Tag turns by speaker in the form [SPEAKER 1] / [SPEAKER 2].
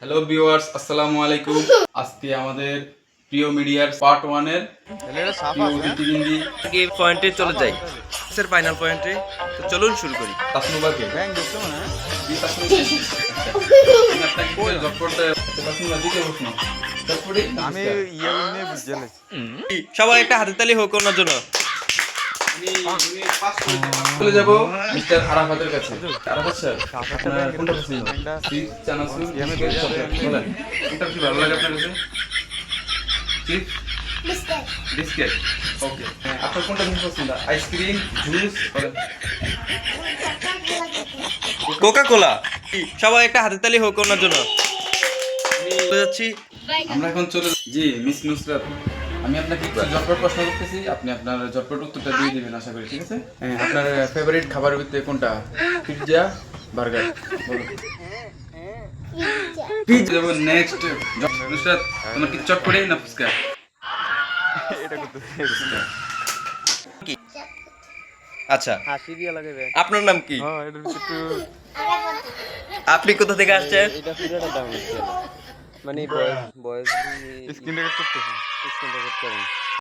[SPEAKER 1] Hello viewers, আসসালামু আলাইকুম। আজকে আমাদের প্রিয় মিডিয়ার পার্ট 1 এর প্রিয় অতিথিবৃন্দি
[SPEAKER 2] আগে পয়েন্টে চলে যাই, স্যার ফাইনাল পয়েন্টে। তো চলুন শুরু করি।
[SPEAKER 1] তাসনুবাকে জি তাসনুবা, আচ্ছা আমি আপনাকে কিছু ঝটপট তাসনুবা দিতে প্রশ্ন ঝটপট
[SPEAKER 3] আমি ইয়ে নিয়ে বুঝে নেছি।
[SPEAKER 2] সবাই একটা হাতে তালি হোক ওনার জন্য।
[SPEAKER 1] চলে যাব মিস্টার আরাফাতের কাছে। আরাফাত স্যার, আপনার কোনটা পছন্দ? চিজ, চানাচুর, বিস্কিট, চকলেট, বলেন কোনটা বেশি ভালো লাগে আপনার কাছে? Cheese, biscuit, okay. আপনার কোনটা বেশি পছন্দ? আইসক্রিম, জুস, বলেন।
[SPEAKER 2] Coca cola. সবাই একটা হাতে তালি হোক ওনার জন্য। চলে যাচ্ছি।
[SPEAKER 1] আমরা এখন চলে জি মিস নুসরাত, আমি আপনাকে কিছু ঝটপট প্রশ্ন করতেছি, আপনি আপনার ঝটপট উত্তরটা দিয়ে দিবেন আশা করি, ঠিক আছে? হ্যাঁ, আপনার ফেভারিট খাবারের ভিতরে কোনটা? পিৎজা, বার্গার, বলুন। পিৎজা। যেমন নেক্সট নুসরাত, তোমার কি চটপটি না ফুচকা?
[SPEAKER 3] এটা করতে
[SPEAKER 1] ফুচকা।
[SPEAKER 2] আচ্ছা,
[SPEAKER 3] হাসি দিয়ে লাগাবে।
[SPEAKER 2] আপনার নাম কি?
[SPEAKER 3] হ্যাঁ, এটার একটু
[SPEAKER 2] আপনি কোথা থেকে আসছেন?
[SPEAKER 3] এটা পুরোটা দাম হচ্ছে। মানে বয়স
[SPEAKER 1] স্ক্রিন রেকর্ড করতেছি।
[SPEAKER 3] স্ক্রিনটা করতে হবে।